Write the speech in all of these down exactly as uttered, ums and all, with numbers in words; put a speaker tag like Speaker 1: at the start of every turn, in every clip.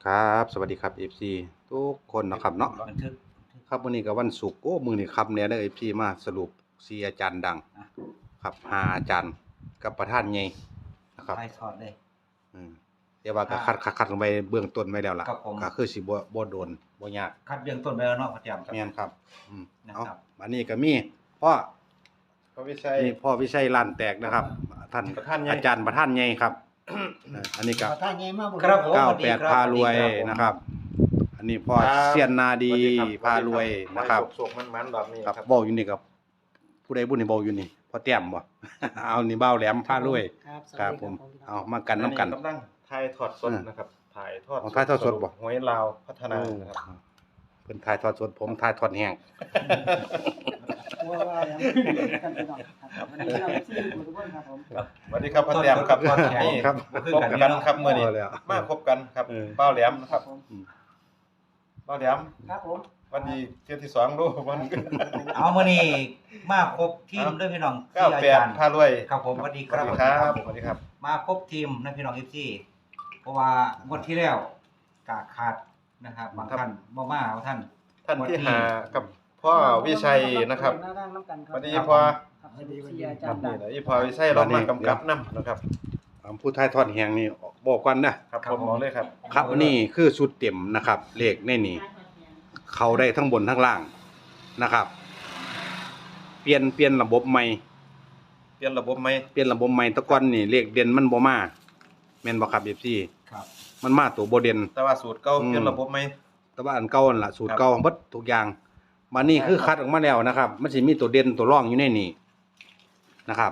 Speaker 1: ครับสวัสดีครับ เอฟ ซี ทุกคนนะครับเนาะ
Speaker 2: บันทึก
Speaker 1: ครับวันนี้ก็วันศุกร์โอ้มื้อนี้ครับแหน่เด้อ เอฟ ซี มาสรุปสี่อาจารย์ดัง
Speaker 2: อ่ะ
Speaker 1: ครับห้าอาจารย์กับประธานใหญ่นะครับ
Speaker 2: ถ่ายทอดเลย
Speaker 1: อืมแต่ว่าก็คัดคัดคัดลงไปเบื้องต้นไว้แล้วล่ะ
Speaker 2: ครับผม
Speaker 1: ก็คือสิบ่บ่โดนบ่ยาก
Speaker 2: คัดเบื้องต้นไปแล้วเนาะพ่อแจ่มครับ
Speaker 1: แม่นครับอืม
Speaker 2: นะครับ
Speaker 1: เอาอันนี้ก็มีพ่อ
Speaker 3: พระวิชัย
Speaker 1: นี่พ่อวิชัยล้านแตกนะครับท่าน
Speaker 3: ประธานใหญ่
Speaker 1: อาจารย์ประธานใหญ่ครับเอออันนี้ก็
Speaker 4: ประธานใหญ่มาก
Speaker 2: ครับผม
Speaker 1: เก้า
Speaker 2: สวัส
Speaker 1: แป
Speaker 2: ดี
Speaker 1: ด
Speaker 2: ครับ
Speaker 1: พารวย
Speaker 2: สวัสดีครับผม
Speaker 1: นะครับ อันนี้พ่อ
Speaker 3: ครับ
Speaker 1: เซียนนาดี
Speaker 3: สวัสครับ
Speaker 1: พารวยนะครับ
Speaker 3: สุกๆมันๆแบบนี้
Speaker 1: ครับ
Speaker 3: ครับ
Speaker 1: เว้าอยู่นี่ครับผู้ใดผู้หนึ่งเว้าอยู่นี่พ่อแต้มบ่ เอานี่เบ้าแหลมพารวย
Speaker 4: ครับสวัส
Speaker 1: ครับ
Speaker 4: ดี
Speaker 1: ผม
Speaker 4: พี่น้
Speaker 1: เอา
Speaker 4: อง
Speaker 1: มากันน้ำกัน
Speaker 3: อักำลังถ่ายทอดสด
Speaker 1: เออ
Speaker 3: นะครับถ่ายทอด
Speaker 1: อ๋อถ่ายทอดสดบ่
Speaker 3: หวยลาวพัฒนานะครับ
Speaker 1: เพิ่นถ่ายทอดสดผมถ่ายทอดแห้ง
Speaker 4: ว่าว่าแล้วกันพี่น้องครับวันนี้เราที่อยู่ทุกคนครับผม
Speaker 3: ครับสวัสดีครับพ่อแต้มครับ
Speaker 2: ต้นๆ
Speaker 3: นี่
Speaker 1: ครับ
Speaker 2: คือ
Speaker 3: พบ
Speaker 2: กัน
Speaker 3: กัน
Speaker 2: เนาะ
Speaker 3: ครับเมื่อนี้
Speaker 1: เอาแล้ว
Speaker 3: มาพบกันครับ
Speaker 1: เออ
Speaker 3: เป้าแหลมนะครับ
Speaker 4: ผม
Speaker 3: เป้าแหลม
Speaker 4: ครับผม
Speaker 3: วันนี้เที่ยวที่สองดูวัน
Speaker 2: เอามื้อนี้มาครบทีมด้วยพี่น้อง
Speaker 3: เก้า
Speaker 2: ที่อา
Speaker 3: แปด
Speaker 2: จารย์
Speaker 3: พารวย
Speaker 2: ครับผมสวัสดี
Speaker 3: ส
Speaker 2: ค
Speaker 3: วั
Speaker 2: รั
Speaker 3: ส
Speaker 2: บ
Speaker 3: ดีครับสวัสดีครับ
Speaker 2: มาครบทีมนะพี่น้อง เอฟ ซี เพราะว่างวดที่แล้วกาขาดนะครับบางท่านบ่มาบางท่าน
Speaker 3: ท่านที่หากับพ่อวิชัยนะครับ
Speaker 4: หน้าด้านน้ำกันค
Speaker 3: ส
Speaker 4: รับ
Speaker 3: วัสดีพ่อ
Speaker 4: ครับสวัสดีสวัสดีอา
Speaker 3: ค
Speaker 4: จา
Speaker 3: รั
Speaker 4: ร
Speaker 3: บ
Speaker 4: ย์ดั
Speaker 3: นี่
Speaker 4: ง
Speaker 3: แหละอีพ่อวิชัยเรามากำกับนํนะครับ
Speaker 1: เอาผู้ถ่ายทอดแห้งนี่บอกก่อนนะครับ
Speaker 3: ผมบอกเลยครับ
Speaker 1: ครับอันนี้คือชุดเต็มนะครับเลขในนี้เข้าได้ทั้งบนทั้งล่างนะครับ เปลี่ยนเปลี่ยนระบบใหม่
Speaker 3: เปลี่ยนระบบไหม
Speaker 1: เปลี่ยนระบบใหม่แตะก่อนนี่เลขเด่นมันบ่มาแม่นบ่ครับ เอฟ ซี
Speaker 2: ครับ
Speaker 1: มันมาตัวบ่เด่น
Speaker 3: แต่ว่าสูตรเก่า
Speaker 1: อืม
Speaker 3: เปลี่ยนระบบไหม
Speaker 1: แต่ว่าอันเก่านั่นล่ะสูตร
Speaker 3: ครับ
Speaker 1: เก่าเบิดทุกอย่างบัดนี้คือคัดออกมาแล้วนะครับ มันสิมีตัวเด่นตัวรองอยู่ในนี้นะครับ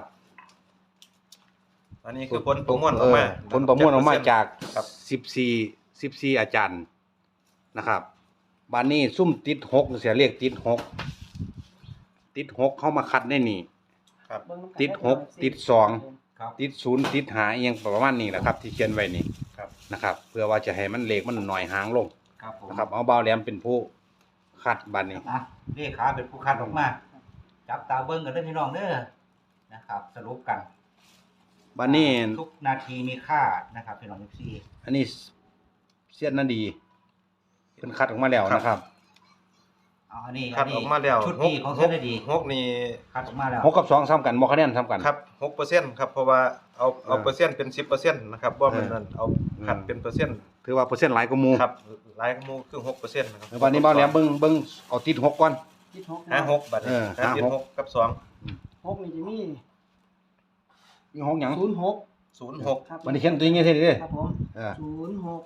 Speaker 3: อันนี้คือผลประมวลออกมา
Speaker 1: เผลประมวลออกมาจาก
Speaker 3: ครับ
Speaker 1: สิบสี่ สิบสี่อาจารย์นะครับบัดนี้ซุ่มติดหกเสียเลขติดหกติดหกเข้ามาคัดในนี่
Speaker 3: ครับ
Speaker 4: เบิ่งน้ำกัน
Speaker 1: ติดหกติดสอง
Speaker 2: ครับ
Speaker 1: ติดศูนย์ติดหาอหยังประมาณนี้แหละครับ ที่เขียนไว้นี่
Speaker 3: ครับ
Speaker 1: นะครับ เพื่อว่าจะให้มันเลขมันหน่อยหางลง
Speaker 2: ครับผม
Speaker 1: นะครับ เอาเบาแหลมเป็นผู้คัดบัดนี้
Speaker 2: อ่ะเลขาเป็นผู้คัดออกมาจับตาเบิ่งกันเด้อพี่น้องเด้อนะครับ สรุปกัน
Speaker 1: บัดนี้
Speaker 2: ทุกนาทีมีค่านะครับพี่น้อง เอฟ ซี
Speaker 1: อันนี้เสียนนาดีเพิ่นคัดออกมาแล้วนะครับ
Speaker 2: เอาอันนี้
Speaker 3: คัดออกมาแล้ว
Speaker 2: ชุดนี้ของเส้นได้ดี
Speaker 3: หกนี่
Speaker 2: คัดออกมาแล้ว
Speaker 1: หกกับสองซ้ำกันบ่คะแนนซ้ำกัน
Speaker 3: ครับหกเปอร์เซ็นต์ครับเพราะว่าเอาเอา
Speaker 1: เออ
Speaker 3: เปอร์เซ็นต์เป็นสิบเปอร์เซ็นต์นะครับบ่แม่น
Speaker 1: เออ
Speaker 3: นั่นเอาคัดเป็นเปอร์เซ็นต์
Speaker 1: ถือว่าเปอร์เซ็นต์หลายกว่าหมู่
Speaker 3: ครับหลายหมู่คือหกเปอร์เซ็นต์นะครับ
Speaker 1: บัดนี้เบาแหลมเบิ่งเบิ่งเอาติดหกก่อน
Speaker 4: ติดหก
Speaker 3: ห้าหกบัดนี้
Speaker 1: เออ
Speaker 3: ห้าติด
Speaker 1: ห้าหก
Speaker 3: หกกับสอง
Speaker 4: หกนี่จะมี
Speaker 1: มีหกหยัง
Speaker 4: ศูนย์หก
Speaker 3: ศูนย์หก
Speaker 4: ครับ
Speaker 1: บัดนี้เขียนตัวอย่างงี้เท่เด้อ
Speaker 4: ครับผม
Speaker 1: เออ
Speaker 4: ศูนย์หก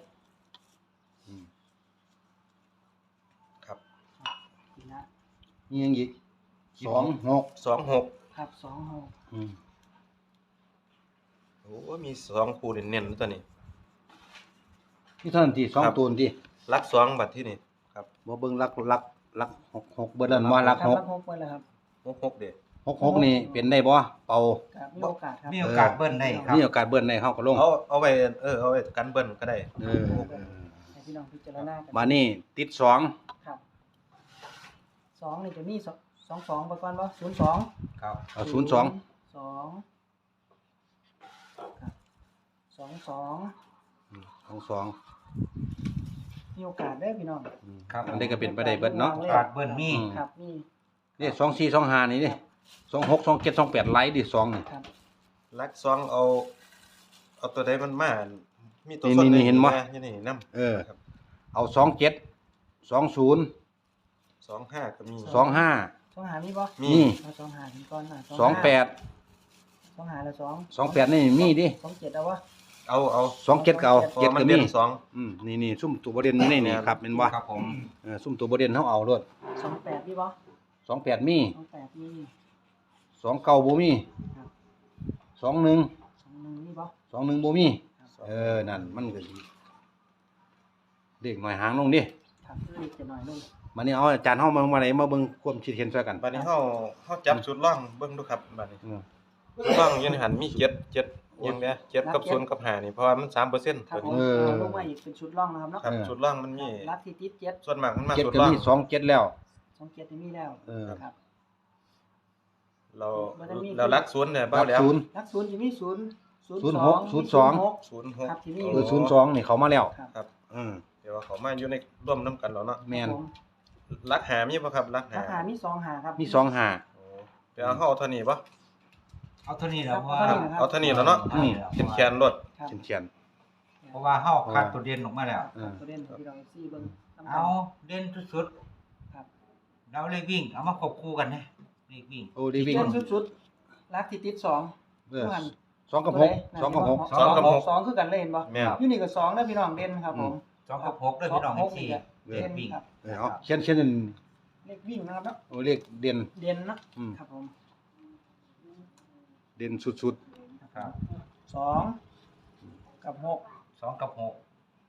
Speaker 3: ครับ
Speaker 4: นี่นะ
Speaker 1: มีหยังอีกสองหก
Speaker 3: สองหก
Speaker 4: ครับสองหก
Speaker 1: อืม
Speaker 3: โอ้มีสองคู่เน้นๆตัวนี้
Speaker 1: มีเท่านั้นที่สอง
Speaker 3: ครับ
Speaker 1: ตัวนี่
Speaker 3: ลักสองบัดที่นี่ครับ
Speaker 1: บ่เบิ่งลักลักลักหกหกเบิดแล้วว่าลัก
Speaker 4: ครับ
Speaker 1: หก
Speaker 4: รับหกไปแล้วครับ
Speaker 3: หกหกเด้อ
Speaker 1: หกหกนี่เป็นได้บ่เป่า
Speaker 4: ครับมีโอกาสครับ
Speaker 2: มีโอกาสเบิ้ลได้ครับ
Speaker 1: มีโอกาสเบิ้ลได้เฮาก็ลง
Speaker 3: เอาเอาไว้เออเอาไว้กันเบิ้ลก็ได้
Speaker 1: เออ
Speaker 4: ให้พี่น้องพิจารณากัน
Speaker 1: มานี่ติดสอง
Speaker 4: ครับสองนี่จะมีสองสองสองไปก่อนบ่ศูนย์สอง
Speaker 2: ครับ
Speaker 1: เอาศูนย์สอง
Speaker 4: สองครับสองสอง
Speaker 1: สองสอง
Speaker 4: มีโอกาสได้อพี่น้อง
Speaker 2: ครับ
Speaker 1: อันนี้ก็เป็นไปได้เบิดเนาะ
Speaker 2: โอกาสเบิ้ลมี
Speaker 1: อืม
Speaker 4: ครับนี่
Speaker 1: นี่สองสี่สองห้านี่ดิสองหกสองเจ็ดสองแปดไลท์ดิสองนี่
Speaker 4: ครับ
Speaker 3: ลักสองเอา เอาตัวใดมันมามีตัว
Speaker 1: นี่
Speaker 3: ส้น
Speaker 1: นี่เห็นบ่
Speaker 3: อยู่นี่นำ
Speaker 1: เออเอาสองเจ็ดสองศูนย์
Speaker 3: สองห้าก็มี
Speaker 1: สองห้า
Speaker 4: สองหามีบ่
Speaker 3: มี
Speaker 1: นี่
Speaker 4: เอาสองหาถึงก่อนนะ
Speaker 1: สองแปด
Speaker 4: สองหาแล้วสอง
Speaker 1: สองแปดนี่มีดิ
Speaker 4: สองเจ็ดเอาวะ
Speaker 3: เอาเอา
Speaker 1: สองเจ็ดก็เอา
Speaker 3: เพราะ
Speaker 1: เจ็ด
Speaker 3: ว่ามัน
Speaker 1: ก็
Speaker 3: เด่
Speaker 1: มี
Speaker 3: นสอง
Speaker 1: อืมนี่นี่ซุ่มตัวประเด็นอยู่ในนี่ครับเป็นว่า
Speaker 2: ครับผม
Speaker 1: เออซุ่มตัวประเด็นเฮาเอาโลด
Speaker 4: สองแปดมีบ่
Speaker 1: สองแปดมี
Speaker 4: สองแปดมี
Speaker 1: สองเก้าบ่มี
Speaker 4: ครับ
Speaker 1: สองหนึ่ง
Speaker 4: สองหนึ่งมีบ่
Speaker 1: สองหนึ่งบ่มี
Speaker 4: ครับ
Speaker 1: เออนั่นมันก็สิเด็กหน่อยหางลงดิ
Speaker 4: ครับเล็กจะหน่อยลง
Speaker 1: มานี่เอาอาจารย์เฮามามาไหนมาเบิ่งความคิดเห็นช่วยกัน
Speaker 3: บัดนี้เฮาเฮาจับชุดล่องเบิ่งดูครับบัดนี้
Speaker 1: อืม
Speaker 3: ชุดล่องอยู่ในหันมีเจ็ด เจ็ดยังเด้อเจ็ดกับศูนย์กับห้านี่เพราะว่ามันสามเปอร์เซ็นต์
Speaker 4: ครับ
Speaker 3: ตัว
Speaker 4: ผม
Speaker 3: นี้
Speaker 4: เอาลงมาอีกเป็นชุดร่องนะครับเนาะ
Speaker 3: ครับชุดล่องมันมี
Speaker 4: รัดที่ติดเจ็ด
Speaker 3: ส่วนมากมันมา
Speaker 1: เจ็ด
Speaker 3: ชุด
Speaker 1: ก็
Speaker 3: ล่อง
Speaker 1: มีสองเจ็ดแล้ว
Speaker 4: สองเจ็ดนี่มีแล้ว
Speaker 1: เออ
Speaker 4: ครับ
Speaker 3: เรา
Speaker 4: มันจะมี
Speaker 3: เรารักศูนย์เนี่ย
Speaker 1: รั
Speaker 3: เบ้า
Speaker 1: บ
Speaker 3: แล้ว
Speaker 1: ศูนย์
Speaker 4: รักศูนย์จะมีศูนย์
Speaker 1: ศูนย์หกศูนย์สอง
Speaker 4: มี
Speaker 3: ศูนย์หก
Speaker 4: ครับที่มี
Speaker 1: เออศูนย์สองนี่เขามาแล้ว
Speaker 4: ครับ
Speaker 3: ครับ
Speaker 1: อืม
Speaker 3: เดี๋ยวว่าเขามาอยู่ในร่วมนํกันแล้วเนาะ
Speaker 1: แม่น
Speaker 4: ครับผม
Speaker 3: รักหามีบ่ครับรักหา
Speaker 4: ราคามีสองหาครับ
Speaker 1: มีสองห้า
Speaker 3: โอ้ไปเอาเฮาเท่านี้บ่
Speaker 2: เอาเท่านี้แล้วเพราะว่า
Speaker 3: เอาเท่านี้แล้วเนาะ
Speaker 2: ท่นี้แล้ว
Speaker 3: เขียนแขนรถ
Speaker 4: ครับ
Speaker 1: เฉียน
Speaker 2: เพราะว่าเฮาคัดตัวเด่นออกมาแล้ว
Speaker 1: เออ
Speaker 4: ตัวเด่นที่เราซีเบิ่งนำกัน
Speaker 2: เอาเด่นสุด
Speaker 4: ครับ
Speaker 2: ๆแล้วเลขวิ่งเอามาควบคู่กันนะเลขวิ่ง
Speaker 1: โอ้ดีวิ่ง
Speaker 4: เด่นสุดๆรักที่ติดสอง
Speaker 1: เออ
Speaker 4: เมื่อหัน
Speaker 1: สองกับหกสองกับหก
Speaker 4: สองกับหกสองคือกันเลยเห็นบ่
Speaker 3: แม่น
Speaker 4: อยู่นี่ก็สองเด้อพี่น้องเด่นครับผม
Speaker 2: สองกับหกด้วยพี่น้อง
Speaker 4: หก
Speaker 2: สี่
Speaker 4: นี่ก็
Speaker 1: เออ
Speaker 4: เด่นครับ
Speaker 1: เออเอาเขียนเขียนนั่น
Speaker 4: เลขวิ่งนะครับเนาะ
Speaker 1: โอ้เลขเด่น
Speaker 4: เด่นเนาะ
Speaker 1: อืม
Speaker 4: ครับผม
Speaker 1: เด่นสุด
Speaker 2: ครับ
Speaker 4: สองกับหก
Speaker 2: สองกับหก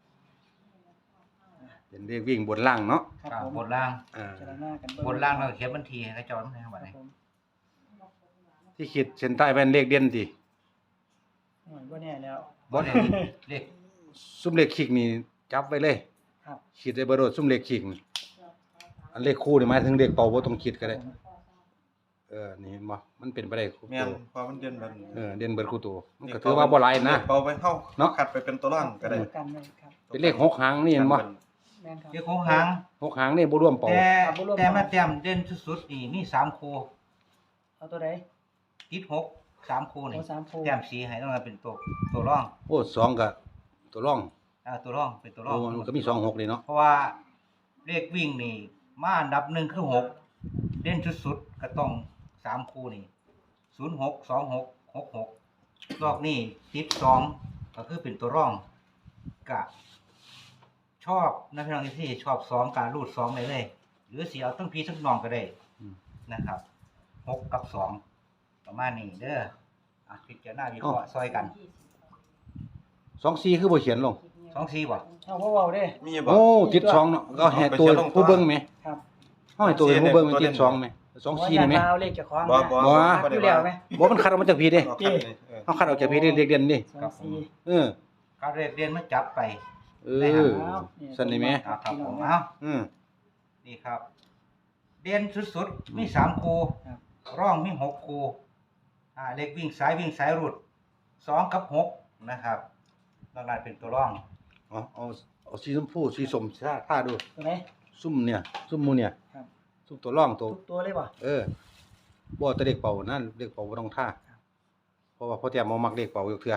Speaker 1: ๆเป็นเลขวิ่งบนล่างเนาะ
Speaker 4: ครับ
Speaker 2: ครับ
Speaker 4: ผม
Speaker 2: บนล่าง
Speaker 1: อ่า
Speaker 4: เจรหน้ากันเง
Speaker 2: บนล่างเราเขียนบัญชีให้เขาจอดนะครับ
Speaker 4: ค
Speaker 2: บัด
Speaker 4: รับ
Speaker 2: นี้
Speaker 4: ผม
Speaker 1: ที่ขีดเส้นใต้เป็นเลขเด่นติ
Speaker 4: โอ้ยบ่แน่แล้ว
Speaker 2: บ่ได้เลข
Speaker 1: ซุ่มเลขขีกนี่จับไว้เลย
Speaker 4: ครับ
Speaker 1: ขีดได้บ่โดดซุ่มเลขขีกนี่อันเลขคู่นี่หมายถึงเลขเป่าบ่ต้องขีดก็ได้ เออนี่เห็นบ่มันเป็นไปได้คู่
Speaker 3: แม่น
Speaker 1: ตัว
Speaker 3: พอมันเด่นแบบนี้
Speaker 1: เออเด่นเบิดคู่ตัวมันก็ถือว่าบ่หลายนะ
Speaker 3: เป่าไปเฮา
Speaker 1: เนาะ
Speaker 3: คัดไปเป็นตัวร่างก็ได้
Speaker 4: กันเลยครับ
Speaker 1: เป็นเลขหกหางนี่เห็นบ่
Speaker 4: แม่นครับ
Speaker 2: เลขของหาง
Speaker 1: หกหางนี่บ่รวมเป่า
Speaker 2: แต่
Speaker 4: ครับบ่รวม
Speaker 2: แต่มาแต้มเด่นสุดๆนี่มีสามคู่
Speaker 4: เอาตัวใด
Speaker 2: ติดหกสามคู่นี่
Speaker 4: เอาสามคู่
Speaker 2: แต้มสีให้ต้องมาเป็นตัวตัวร่อง
Speaker 1: โอ้สองก็ตัวร่อง
Speaker 2: อ่าตัวร่องเป็นตัวร่อ
Speaker 1: โอ้
Speaker 2: ง
Speaker 1: มันก็มีสองหกนี่เนาะ
Speaker 2: เพราะว่าเลขวิ่งนี่มาอันดับหนึ่งคือหกเด่นสุดๆก็ต้องสามคู่นี่ศูนย์หกสองหกหกหกรอบนี้ติดสองก็คือเป็นตัวร่องกะชอบนะพี่น้องที่ชอบสองการรูดสองเลยเลย หรือสีเอาตั้งพีทั้งนองก็ได้
Speaker 1: อืม
Speaker 2: นะครับหกกับสองประมาณนี้เด้ออ่ะพิจารณาวิเคราะห์ซอยกัน
Speaker 1: สองสี่คือบ่เขียนลง
Speaker 2: สองสี่บ่
Speaker 4: เอาเว้าๆเด้
Speaker 3: มีบ่
Speaker 1: โอ้ติดสองเนาะก็ให้ตัวผู้เบิ่งไหม
Speaker 4: ครับ
Speaker 1: เฮาให้ตัวผู้เบิ่งมันติดสองไหมสองสี่นี่ไหม
Speaker 4: ว่าอย่าเอาเลขเจ้าของ
Speaker 3: บ่
Speaker 4: นะ
Speaker 3: บ่
Speaker 1: บ่
Speaker 4: ครับอยู่แล้วไหม
Speaker 1: บ่มันคัดออกมาจากพี่เด้
Speaker 3: เอาคัดนี่เออ
Speaker 1: เฮาคัดออกจากพี่เด้เลขเด่นนี่
Speaker 4: สองสี่
Speaker 1: เออ
Speaker 2: การเรียนเรียนมาจับไป
Speaker 1: เอ
Speaker 2: ได้ครั
Speaker 1: อ
Speaker 2: บ
Speaker 1: สั่นนี่แหม
Speaker 2: อ่ะครับผมเอา
Speaker 1: อืม
Speaker 2: นี่ครับ เด่นสุดๆมีสามคู่
Speaker 4: ครับ
Speaker 2: ร่องมีหกคู่อ่าเลขวิ่งสายวิ่งสายรุดสองกับหกนะครับนอกนั้นเป็นตัวร่อง
Speaker 1: เอาเอาเอาสีชมพูสีส้มท่าท่าดู
Speaker 4: ตัวไหน
Speaker 1: ซุ่มเนี่ย ซุ่มหมูเนี่ย
Speaker 4: ครับ
Speaker 1: ซุ่มตัวร่องตัว
Speaker 4: ทุกตัวเลยบ่
Speaker 1: เออบ่แต่เลขเป่านั่นเลขเป่าบ่ต้องท่า
Speaker 4: ครับ
Speaker 1: เพราะว่าพ่อแต้มบ่มักเลขเป่าอยู่เทื่อ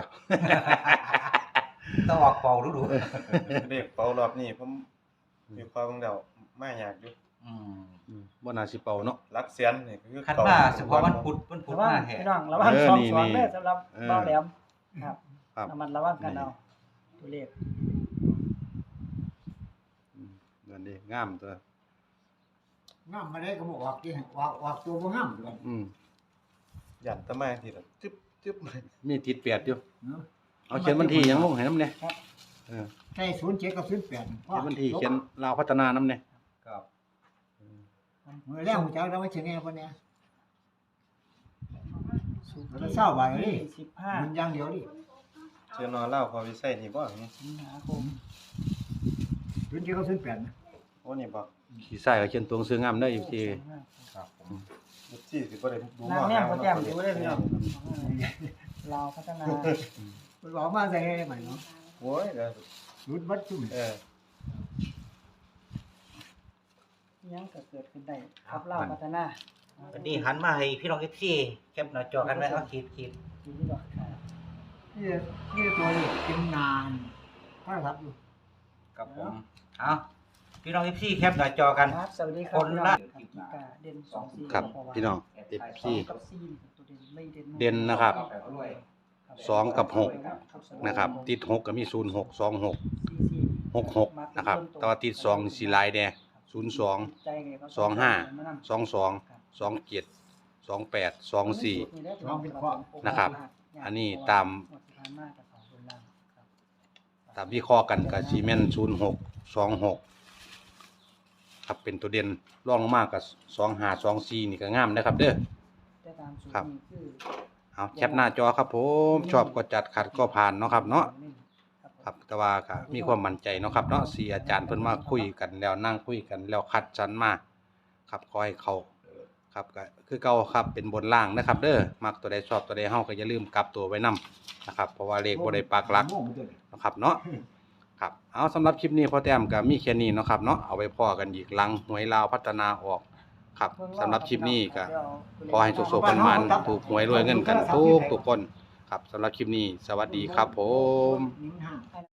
Speaker 2: ต้องออกเป่าดูดู
Speaker 3: เด็กเป่ารอบนี้ผมมีความเดามาอยากอยู่
Speaker 2: อืม
Speaker 1: อืมบ่น่าสิเป่าเนาะ
Speaker 3: รักเสียนนี่คือ
Speaker 2: คันมาเฉพาะวันพุธวันพุธ
Speaker 4: ระวัง
Speaker 2: มาแห่
Speaker 4: พี่น้องระวัง
Speaker 1: เออ
Speaker 4: สอง
Speaker 1: นี่
Speaker 4: สอง
Speaker 1: นี่
Speaker 4: เด้อสำหรับ
Speaker 1: เออ
Speaker 4: เบาแหลมครับ
Speaker 1: ครับ
Speaker 4: ระมัดระวังกันเอาตัวเลข
Speaker 1: อืมนั่นดิงามตัว
Speaker 5: งามมาได้ก็บอกออกที่ออกออกตัวบ่งามด้วย
Speaker 1: อืม
Speaker 3: ยันตะมาทีละจึ๊บจึ๊บ
Speaker 1: มีติดแปดอยู่
Speaker 5: เนาะ
Speaker 1: เอาเขียนวันที่หยังลงให้นำเนี่ยเออ
Speaker 5: ใช่ศูนย์เจ็ดกับศูนย์แปด
Speaker 1: เขียนวันที่เขียนลาวพัฒนานำเนี่ย
Speaker 2: ครับ
Speaker 5: เมื่อแล้วหัวใจเราไม่เชื่อแน่คนเนี้ยเราเศร้าไปเลย
Speaker 4: สิบห้า
Speaker 5: มันอย่างเดียวดิ
Speaker 3: เชื่อนอนเล่าพอวิสัยนี่บ่นี่
Speaker 4: สิงหาคม
Speaker 5: ศูนย์เจ็ดกับศูนย์แปดนะ
Speaker 3: โอ้นี่บ่
Speaker 1: ขี้ใส่ก็เขียนตัวหนังสืองามเด้ออยู่ที่
Speaker 2: ครับผม
Speaker 3: ยี่สิบสี่สิบ่ได้ดู
Speaker 4: นางแนมโปรแกรมดูได้พี่น้องลาวพัฒนา
Speaker 5: มันบอกมาใส่ให้ใหม่เนาะ
Speaker 3: โอ้ยเดี๋ยว
Speaker 5: ศูนย์วัดจุ่ม
Speaker 3: เออ
Speaker 4: ยังก็เกิดขึ้นได้ครับลาวพัฒนา
Speaker 2: วันนี้หันมาให้พี่น้องเอฟซีแคปหน้าจอกันไว้เอาขีดขีด
Speaker 4: ดีที่บอกครับ
Speaker 5: นี่นี่ตัวนี้เป็นงานพระทับอยู่
Speaker 2: กับผมเอาพี่น้องเอฟซีแคปหน้าจอกัน
Speaker 4: ครับสวัสดีครับ
Speaker 2: คนละ
Speaker 4: พี่น้องครับกิกาเด่นสองสี่
Speaker 1: ครับพี่น้อง
Speaker 4: ส
Speaker 1: FC
Speaker 4: องกับสี่ตัวเด่นไม่เด่น
Speaker 1: เด่นนะครับ
Speaker 4: ครับ
Speaker 1: สองกับหก
Speaker 4: ครับ
Speaker 1: นะครับ ติดหกก็มีศูนย์หก สองหก
Speaker 4: สี่สี่
Speaker 1: หกหกนะครับแต่ว่าติดสองสีลายแดงศูนย์สอง
Speaker 4: ใจไงครับ
Speaker 1: สองห้า
Speaker 4: มานำ
Speaker 1: สองสองสองเจ็ดสองแปดสองสี่ นะครับอันนี้ตาม ตามวิเคราะห์กันกับซีเมนต์ศูนย์หกสองหกครับเป็นตัวเด่นรองลงมากับสองห้าสองสี่นี่ก็งามนะครับเด้อ ครับ เอาแคปหน้าจอครับผมชอบก็จัดขัดก็ผ่านเนาะครับเนาะครับแต่ว่าก็มีความมั่นใจเนาะครับเนาะสี่อาจารย์เพิ่นมาคุยกันแล้วนั่งคุยกันแล้วคัดสรรมาครับขอให้เขาครับก็คือเก่าครับเป็นบนล่างนะครับ เด้อมักตัวใดชอบตัวใดเฮาก็อย่าลืมกลับตัวไว้นํนะครับเพราะว่าเลขบ่ได้ปักหลัก
Speaker 5: โม่งตัวนี้
Speaker 1: นะครับเนาะครับเอาสำหรับคลิปนี้พอแต้มก็มีแค่นี้เนาะครับเนาะเอาไว้พอกันอีกหลังหวยลาวพัฒนาออกครับสำหรับคลิปนี้ก็ขอให้สุขๆมันๆถูกหวยรวยเงินกันทุกทุกคนครับสำหรับคลิปนี้สวัสดีครับผม
Speaker 5: หนึ่งห้า